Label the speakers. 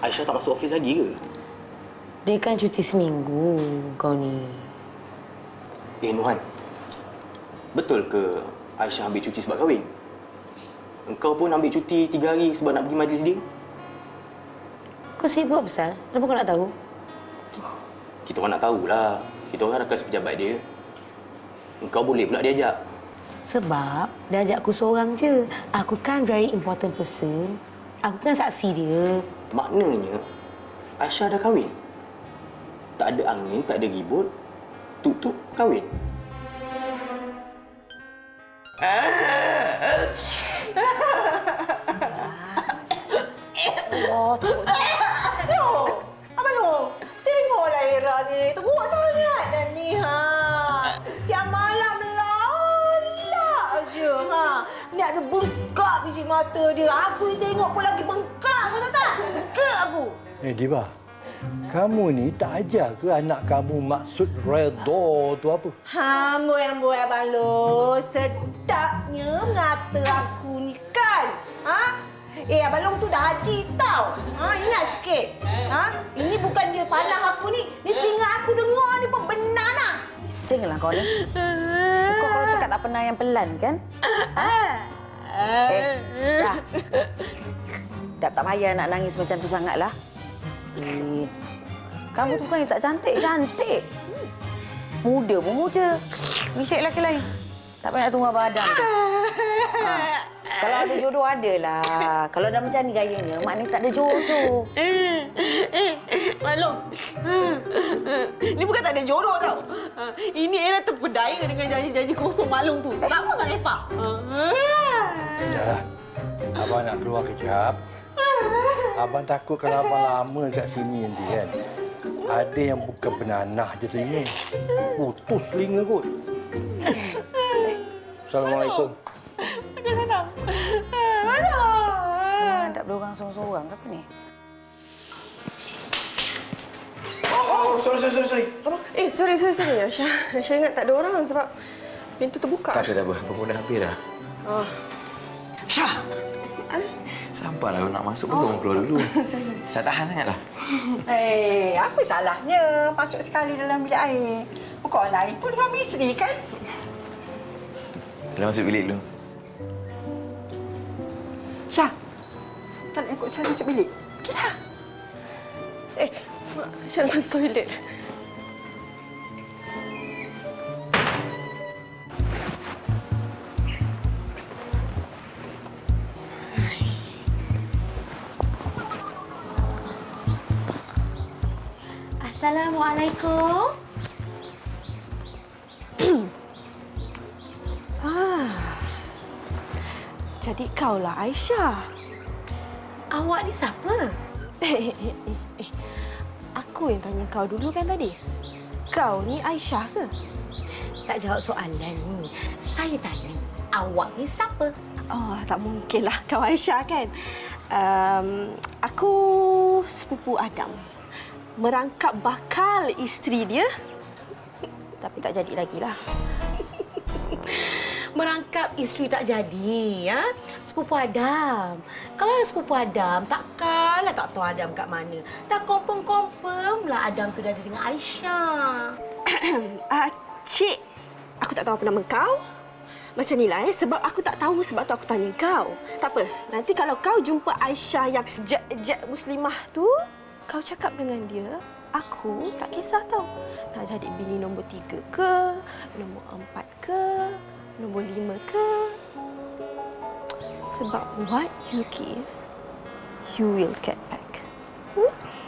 Speaker 1: Aisyah tak masuk ofis lagi ke?
Speaker 2: Dia kan cuti seminggu kau ni.
Speaker 1: Nuhan. Betul ke Aisyah ambil cuti sebab kahwin? Engkau pun ambil cuti 3 hari sebab nak pergi majlis dia?
Speaker 2: Kau sibuk besar? Kenapa kau nak tahu?
Speaker 1: Kita orang nak tahulah. Kita orang rakan sepejabat dia. Engkau boleh pula diajak.
Speaker 2: Sebab dia ajak aku seorang je. Aku kan very important person. Aku kan saksi dia.
Speaker 1: Maknanya, Aisyah dah kahwin. Tak ada angin, tak ada ribut. Tuk-tuk kahwin.
Speaker 3: Allah, tengok. Abang Long, tengoklah Era ni. Teruk sangat dah ni, ha. Siang malam lelak je, ha. Ni ada bengkak biji mata dia. Aku tengok pun lagi bengkak, kau tahu tak? Bengkak aku.
Speaker 4: Diva, kamu ni tak ajar ke anak kamu maksud redha tu apa?
Speaker 3: Amboi Abang Long. Sedapnya mengata aku ni kan. Ha? Abang Long tu dah haji tau. Ingat sikit. Ini bukan dia panah aku ni. Ni telinga aku dengar ni pun benar lah.
Speaker 5: Bisinglah kau ni. Kau kalau cakap tak pernah yang pelan kan? Dah. Dah tak payah nak nangis macam tu sangatlah. Kamu tu bukan yang tak cantik. Muda pun muda. Risik lelaki lain. Tak payah nak tunggu Abang Adam tu. Kalau ada jodoh, adalah. Kalau dah macam ni gayanya, maknanya tak ada jodoh.
Speaker 3: Maklum. Ni bukan tak ada jodoh tau. Ini Era terpedaya dengan janji-janji kosong Malung tu. Sama dengan Eva.
Speaker 4: Yalah. Abang nak keluar kejap. Abang takut kalau abang lama dekat sini nanti kan. Ada yang bukan benanah je telinga. Putus telinga kot. Assalamualaikum.
Speaker 5: Tak ada orang seorang-seorang ke apa ni?
Speaker 1: Sorry.
Speaker 6: Apa? Sorry, Aisyah. Aisyah ingat tak ada orang sebab pintu terbuka.
Speaker 7: Tak apa. Pembunuh hampir dah.
Speaker 6: Oh.
Speaker 7: Syah! Sabarlah, nak masuk pun kau keluar dulu. Tak tahan sangatlah.
Speaker 3: Apa salahnya masuk sekali dalam bilik air? Kau lain pun suami isteri kan?
Speaker 7: Dah masuk bilik dulu.
Speaker 6: Syah, tak nak ikut saya masuk bilik. Pergilah. Syah nak pergi toilet.
Speaker 2: Assalamualaikum.
Speaker 6: Jadi kaulah Aisyah.
Speaker 2: Awak ni siapa?
Speaker 6: Aku yang tanya kau dulu kan tadi. Kau ni Aisyah ke?
Speaker 2: Tak jawab soalan ni. Saya tanya, awak ni siapa?
Speaker 6: Oh, tak mungkinlah kau Aisyah kan. Aku sepupu Adam. Merangkap bakal isteri dia. Tapi tak jadi lagi lah.
Speaker 2: Merangkap isteri tak jadi, ya? Sepupu Adam. Kalau ada sepupu Adam, takkanlah tak tahu Adam kat mana. Dah confirm lah Adam tu dah ada dengan Aisyah.
Speaker 6: Cik, aku tak tahu apa nama kau. Macam ni lah sebab aku tak tahu sebab tu aku tanya kau. Tak apa, nanti kalau kau jumpa Aisyah yang jet muslimah tu, kau cakap dengan dia, aku tak kisah tau. Nak jadi bini nombor 3 ke, nombor 4 ke, nombor 5 ke. Sebab what you give, you will get back.